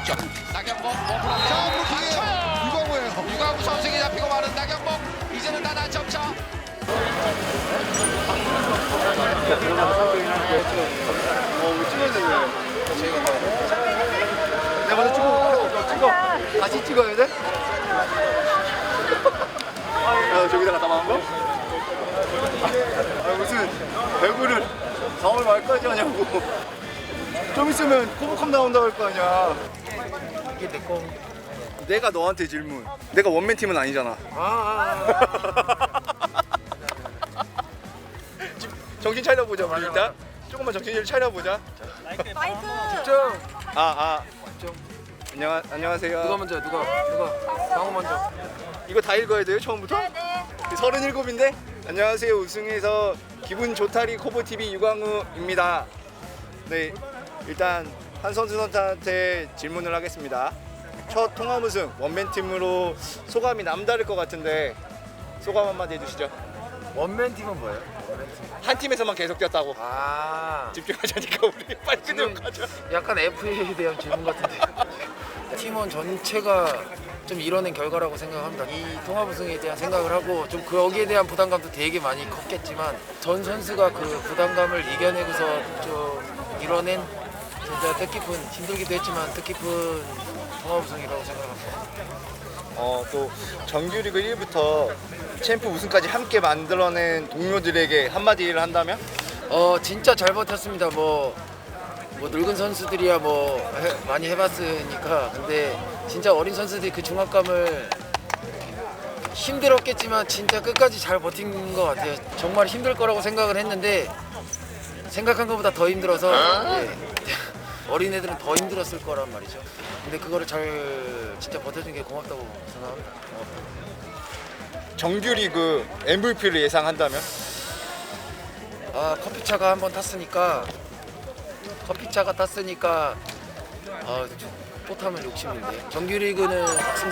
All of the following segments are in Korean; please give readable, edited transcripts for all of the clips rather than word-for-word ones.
오른쪽 나경범 몸으로 자, 맞춰요. 유광호예요. 유광우 선수에게 잡히고 마는 나경범. 이제는 나나 점차. 내가 먼저 찍어. 다시 찍어야 돼? 야, 저기다가 담아한 거? 아, 무슨 배구를 4월 말까지 하냐고. 좀 있으면 코보컵 나온다고 할 거 아니야. 이게 내 거. 내가 너한테 질문. 내가 원맨 팀은 아니잖아. 정신 차려보자, 우리 일단. 조금만 정신 차려보자. 마이크. 안녕하세요. 누가 먼저? 누가? 방어 먼저. 이거 다 읽어야 돼요, 처음부터? 네. 37인데? 안녕하세요. 우승해서 기분 좋다리 코보TV 유광우입니다. 네, 일단 한 선수한테 질문을 하겠습니다. 첫 통합 우승 원맨팀으로 소감이 남다를 것 같은데 소감 한마디 해주시죠. 원맨 팀은 뭐예요? 한 팀에서만 계속 뛰었다고. 집중하자니까 우리 빨리 끝내고 가자. 약간 FA에 대한 질문 같은데. 팀원 전체가 좀 이뤄낸 결과라고 생각합니다. 이 통합 우승에 대한 생각을 하고 좀 거기에 대한 부담감도 되게 많이 컸겠지만 전 선수가 그 부담감을 이겨내고서 좀 이뤄낸 진짜 뜻깊은, 힘들기도 했지만 뜻깊은 통합 우승이라고 생각합니다. 또 정규리그 1부터 챔프 우승까지 함께 만들어낸 동료들에게 한마디를 한다면? 진짜 잘 버텼습니다. 뭐 늙은 선수들이야 많이 해봤으니까. 근데 진짜 어린 선수들이 그 중압감을 힘들었겠지만 진짜 끝까지 잘 버틴 것 같아요. 정말 힘들 거라고 생각을 했는데 생각한 것보다 더 힘들어서 어린애들은 더 힘들었을 거란 말이죠. 근데 그거를 잘 진짜 버텨준 게 고맙다고 생각합니다. 정규리그 MVP를 예상한다면? 커피차가 한번 탔으니까 또 타면 욕심인데. 정규리그는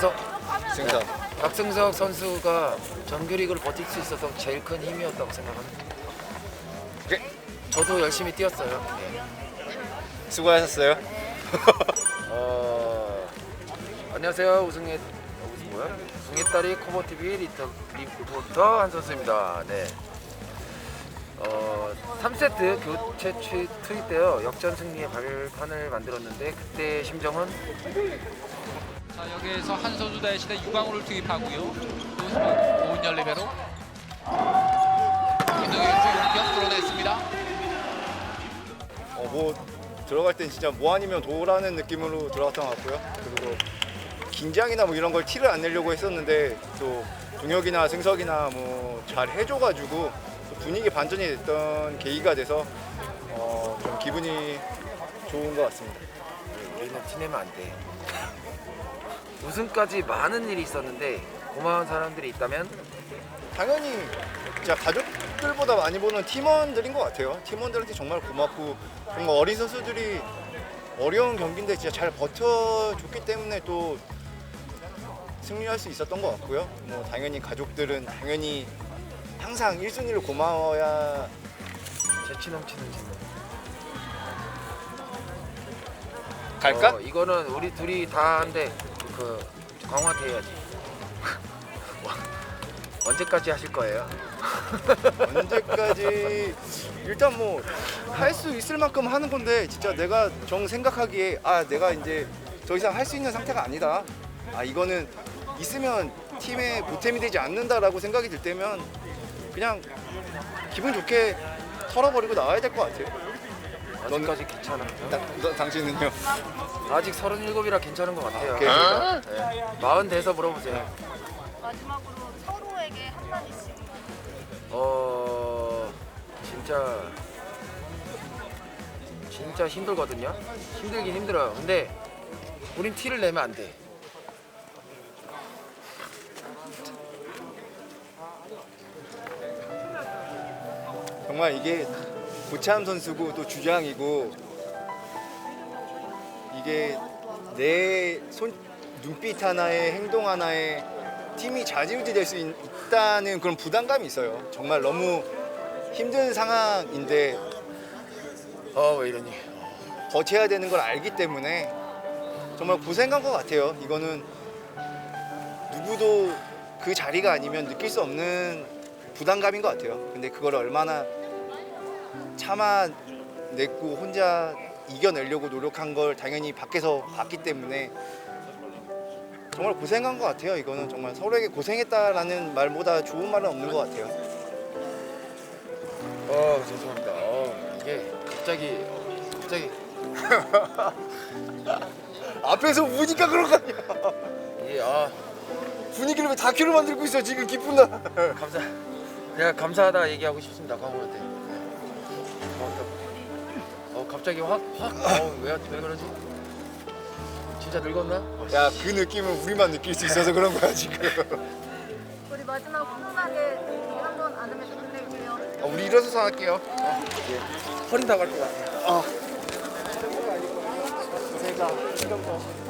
박승석 선수가 정규리그를 버틸 수 있어서 제일 큰 힘이었다고 생각합니다. 오케이. 저도 열심히 뛰었어요. 네. 수고하셨어요. 안녕하세요. 우승의 딸이 코보TV 리포터 한선수입니다. 네. 3세트 교체 투입 때요 역전 승리의 발판을 만들었는데 그때 심정은 자, 여기에서 한 선수 대신에 유광우를 투입하고요. 오은열 리베로. 김동현 선수 용병 뚫어냈습니다. 들어갈 땐 진짜 뭐 아니면 도라는 느낌으로 들어갔던 것 같고요. 그리고 긴장이나 뭐 이런 걸 티를 안 내려고 했었는데 또 동혁이나 승석이나 뭐 잘 해줘가지고 분위기 반전이 됐던 계기가 돼서 좀 기분이 좋은 것 같습니다. 우리는 티내면 안 돼. 우승까지 많은 일이 있었는데 고마운 사람들이 있다면 당연히 진짜 가족들보다 많이 보는 팀원들인 것 같아요. 팀원들한테 정말 고맙고 정말 어린 선수들이 어려운 경기인데 진짜 잘 버텨줬기 때문에 또 승리할 수 있었던 것 같고요. 뭐 당연히 가족들은 당연히 항상 1순위로 고마워야. 재치 넘치는 질문. 갈까? 이거는 우리 둘이 다 한데 광화한테 해야지. 언제까지 하실 거예요? 언제까지 일단 뭐 할 수 있을 만큼 하는 건데 진짜 내가 생각하기에 내가 이제 더 이상 할 수 있는 상태가 아니다. 이거는 있으면 팀에 보탬이 되지 않는다라고 생각이 들 때면 그냥 기분 좋게 털어버리고 나와야 될 것 같아요. 아직까지 괜찮아. 당신은요? 아직 37이라 괜찮은 것 같아요. 오케이. 네. 40 돼서 물어보세요. 마지막으로 서로에게 한마디씩. 진짜 힘들거든요. 힘들긴 힘들어요. 근데 우린 티를 내면 안 돼. 정말 이게 고참 선수고 또 주장이고 이게 내 눈빛 하나에 행동 하나에 팀이 좌지우지 될 수 있다는 그런 부담감이 있어요. 정말 너무 힘든 상황인데 왜 이러니? 버텨야 되는 걸 알기 때문에 정말 고생한 것 같아요. 이거는 누구도 그 자리가 아니면 느낄 수 없는 부담감인 것 같아요. 근데 그걸 얼마나 참아냈고 혼자 이겨내려고 노력한 걸 당연히 밖에서 봤기 때문에 정말 고생한 것 같아요. 이거는 정말 서로에게 고생했다라는 말보다 좋은 말은 없는 것 같아요. 죄송합니다. 이게 갑자기 앞에서 우니까 그런 거 아니야. 이게 분위기를 왜 다큐를 만들고 있어 지금 기쁜 날. 내가 감사하다 얘기하고 싶습니다, 광호한테. 갑자기 왜 그러지? 진짜 늙었나? 야, 그 느낌은 우리만 느낄 수 있어서 그런 거야 지금. 우리 마지막 훈훈하게 한번 안으면서 끝낼게요. 우리 일어서서 할게요. 허리 나갈 것 같아. 제가 신경 써.